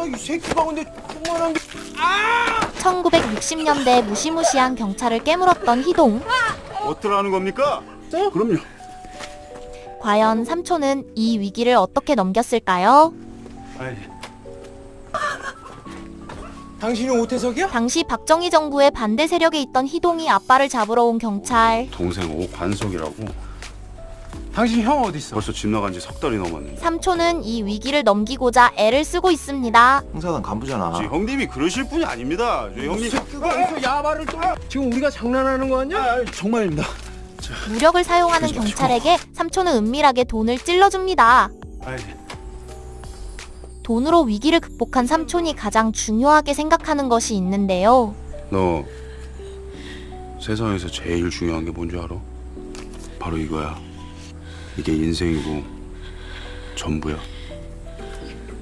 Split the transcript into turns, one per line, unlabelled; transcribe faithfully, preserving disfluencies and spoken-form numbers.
이 새끼가 근데 조그만한 게.
천구백육십 년대 무시무시한 경찰을 깨물었던 희동.
어쩌라는 겁니까? 그럼요.
과연 삼촌은 이 위기를 어떻게 넘겼을까요?
아이,
당신이 오태석이야?
당시 박정희 정부의 반대 세력에 있던 희동이 아빠를 잡으러 온 경찰.
동생 오관석이라고.
당신 형 어디 있어?
벌써 집 나간 지 석 달이 넘었는데.
삼촌은 이 위기를 넘기고자 애를 쓰고 있습니다.
형사단 간부잖아.
저 형님이 그러실 분이 아닙니다. 저 형님.
새끼가 어디서 야발을 또? 지금 우리가 장난하는 거 아니야?
아, 정말입니다.
무력을 사용하는
그러지 마시고.
경찰에게 삼촌은 은밀하게 돈을 찔러줍니다.
아이,
돈으로 위기를 극복한 삼촌이 가장 중요하게 생각하는 것이 있는데요.
너 세상에서 제일 중요한 게 뭔지 알아? 바로 이거야. 이게 인생이고 전부야.